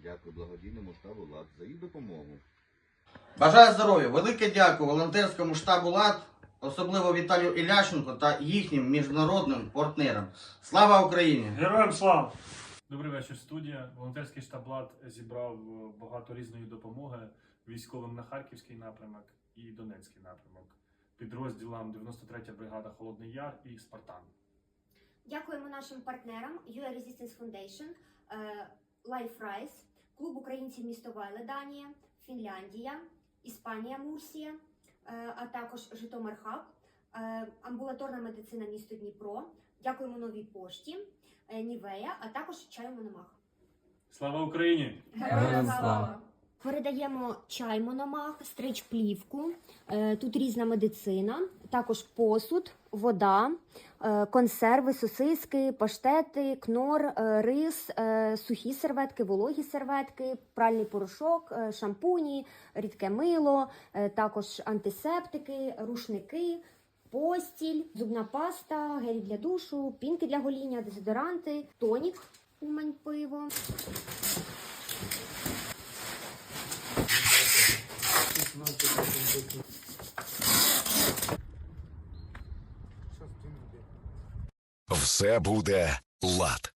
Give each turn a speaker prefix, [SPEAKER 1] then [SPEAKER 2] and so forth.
[SPEAKER 1] Дякую благодійному штабу ЛАД за їх допомогу.
[SPEAKER 2] Бажаю здоров'я! Велике дякую волонтерському штабу ЛАД, особливо Віталію Ілященко та їхнім міжнародним партнерам. Слава Україні!
[SPEAKER 3] Героям слава! Добрий вечір, студія. Волонтерський штаб ЛАД зібрав багато різної допомоги військовим на Харківський напрямок і Донецький напрямок, підрозділам 93-я бригада Холодний Яр і Спартан.
[SPEAKER 4] Дякуємо нашим партнерам UA Resistance Foundation, Life Rise, Клуб українців місто Вайле, Данія, Фінляндія, Іспанія, Мурсія, а також Житомир Хаб, амбулаторна медицина місто Дніпро. Дякуємо Новій пошті, Нівея, а також Чаю Мономах.
[SPEAKER 3] Слава Україні!
[SPEAKER 4] Героям слава! Передаємо чай Мономах, стрич-плівку, тут різна медицина, також посуд, вода, консерви, сосиски, паштети, кнор, рис, сухі серветки, вологі серветки, пральний порошок, шампуні, рідке мило, також антисептики, рушники, постіль, зубна паста, гелі для душу, пінки для гоління, дезодоранти, тонік, Умань пиво.
[SPEAKER 5] Все буде ЛАД.